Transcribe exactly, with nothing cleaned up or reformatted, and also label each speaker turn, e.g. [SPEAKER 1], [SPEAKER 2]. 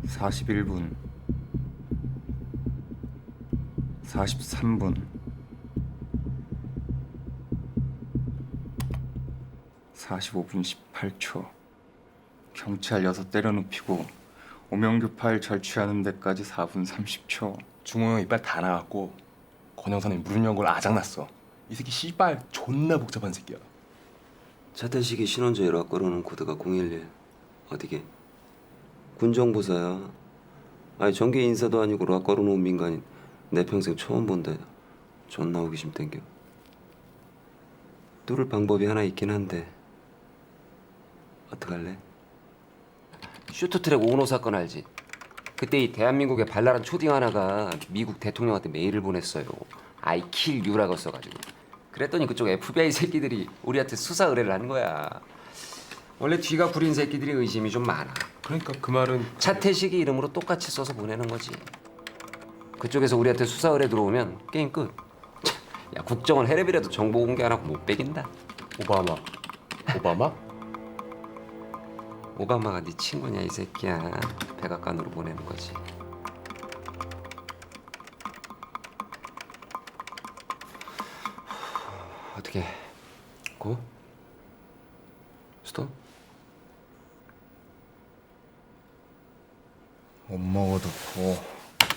[SPEAKER 1] 사십일 분, 사십삼 분, 사십오 분 십팔 초. 경찰 여섯 때려눕히고 오명규 파일 절취하는 데까지 사 분 삼십 초.
[SPEAKER 2] 중호 형 이빨 다 나갔고 권영선이 무릎 연 걸 아작났어. 이 새끼 씨발 존나 복잡한 새끼야.
[SPEAKER 3] 차태식이 신원조 일화 걸어놓은 코드가 공일일 어디게? 군정부사야. 아니 정계 인사도 아니고 락 걸어놓은 민간인 내 평생 처음 본다. 존나 호기심 땡겨. 뚫을 방법이 하나 있긴 한데 어떡할래? 쇼트트랙 오노 사건 알지? 그때 이 대한민국의 발랄한 초딩 하나가 미국 대통령한테 메일을 보냈어요. I kill you라고 써가지고. 그랬더니 그쪽 에프비아이 새끼들이 우리한테 수사 의뢰를 한 거야. 원래 뒤가 구린 새끼들이 의심이 좀 많아.
[SPEAKER 2] 그러니까 그 말은
[SPEAKER 3] 차태식이 이름으로 똑같이 써서 보내는 거지. 그쪽에서 우리한테 수사 의뢰 들어오면 게임 끝. 차, 야 국정원 해랩이라도 정보 공개 안 하고 못 빼긴다.
[SPEAKER 2] 오바마. 오바마?
[SPEAKER 3] 오바마가 네 친구냐 이 새끼야. 백악관으로 보내는 거지. 어떻게 고? 스톱?
[SPEAKER 1] 못 먹어도 고.